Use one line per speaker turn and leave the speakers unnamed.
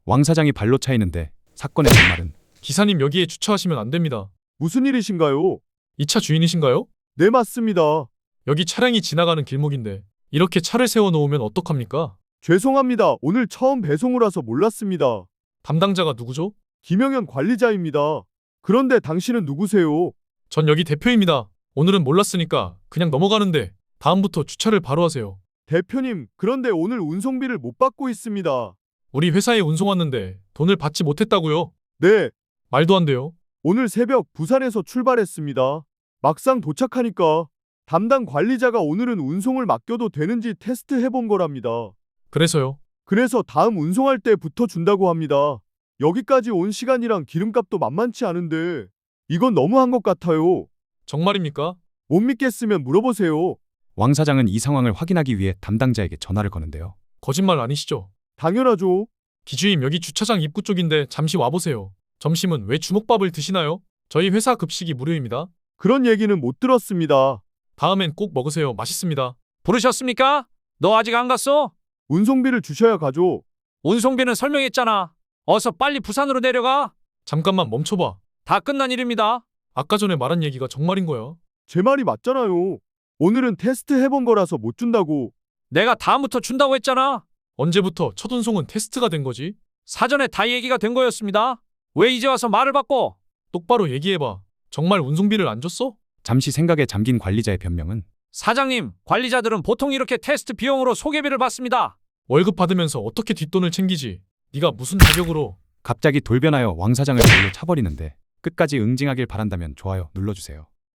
왕 사장이 발로 차이는데 사건의 전말은
기사님 여기에 주차하시면 안 됩니다.
무슨 일이신가요?
이 차 주인이신가요?
네, 맞습니다.
여기 차량이 지나가는 길목인데 이렇게 차를 세워놓으면 어떡합니까?
죄송합니다. 오늘 처음 배송을 와서 몰랐습니다.
담당자가 누구죠?
김영현 관리자입니다. 그런데 당신은 누구세요?
전 여기 대표입니다. 오늘은 몰랐으니까 그냥 넘어가는데 다음부터 주차를 바로 하세요.
대표님, 그런데 오늘 운송비를 못 받고 있습니다.
우리 회사에 운송 왔는데 돈을 받지 못했다고요?
네,
말도 안 돼요.
오늘 새벽 부산에서 출발했습니다. 막상 도착하니까 담당 관리자가 오늘은 운송을 맡겨도 되는지 테스트 해본 거랍니다.
그래서요.
그래서 다음 운송할 때부터 준다고 합니다. 여기까지 온 시간이랑 기름값도 만만치 않은데 이건 너무한 것 같아요.
정말입니까?
못 믿겠으면 물어보세요.
왕 사장은 이 상황을 확인하기 위해 담당자에게 전화를 거는데요.
거짓말 아니시죠?
당연하죠.
기주임 여기 주차장 입구 쪽인데 잠시 와보세요. 점심은 왜 주먹밥을 드시나요? 저희 회사 급식이 무료입니다.
그런 얘기는 못 들었습니다.
다음엔 꼭 먹으세요. 맛있습니다.
부르셨습니까? 너 아직 안 갔어?
운송비를 주셔야 가죠.
운송비는 설명했잖아. 어서 빨리 부산으로 내려가.
잠깐만 멈춰봐.
다 끝난 일입니다.
아까 전에 말한 얘기가 정말인 거야?
제 말이 맞잖아요. 오늘은 테스트 해본 거라서 못 준다고.
내가 다음부터 준다고 했잖아.
언제부터 첫 운송은 테스트가 된 거지?
사전에 다 얘기가 된 거였습니다. 왜 이제 와서 말을 바꿔?
똑바로 얘기해봐. 정말 운송비를 안 줬어?
잠시 생각에 잠긴 관리자의 변명은
사장님, 관리자들은 보통 이렇게 테스트 비용으로 소개비를 받습니다.
월급 받으면서 어떻게 뒷돈을 챙기지? 네가 무슨 자격으로?
갑자기 돌변하여 왕 사장을 발로 차버리는데 끝까지 응징하길 바란다면 좋아요 눌러주세요.